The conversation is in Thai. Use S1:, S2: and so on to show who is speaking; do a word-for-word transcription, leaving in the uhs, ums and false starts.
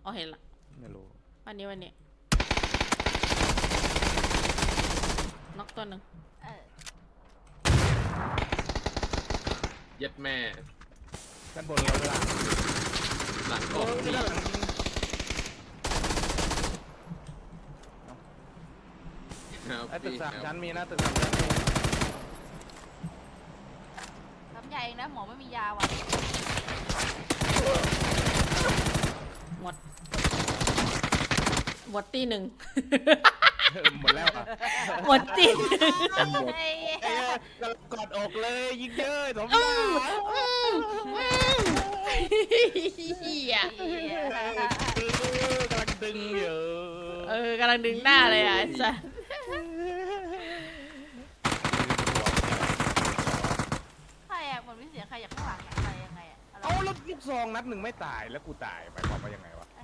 S1: อ๋อเห็นละ
S2: ไม่รู้
S1: วันนี้วันนี้น็อกตัวหนึ่ง
S3: เย็ดแม่
S2: ด้านบนเราเวลา
S3: หลังกบ
S2: ด้านหลังไอ้ตึกสามชั้นมีนะตึกสามชั้นมี
S4: ทำยาเองนะหมอไม่มียาว่ะ
S1: หมดหมดตีหนึ่ง
S2: หมดแล้วอ่ะ
S1: หมดตีหนึ่ง
S4: ไอ้
S2: เอ้ยกอดอกเลยยิงเยอะสม
S1: อื
S2: บูร
S1: ม
S2: ณ์
S1: อืมอืมเฮีย
S2: กำลังดึงอยู่
S1: เออกำลังดึงหน้าเลยอ่ะจ้ะ
S4: ใครอะเหมือนมีเสียงใครจากข้างหลังอะไรยังไงอะ
S2: เอาแล้วลูกซองนัดหนึ่งไม่ตายแล้วกูตายหมายความว่ายังไง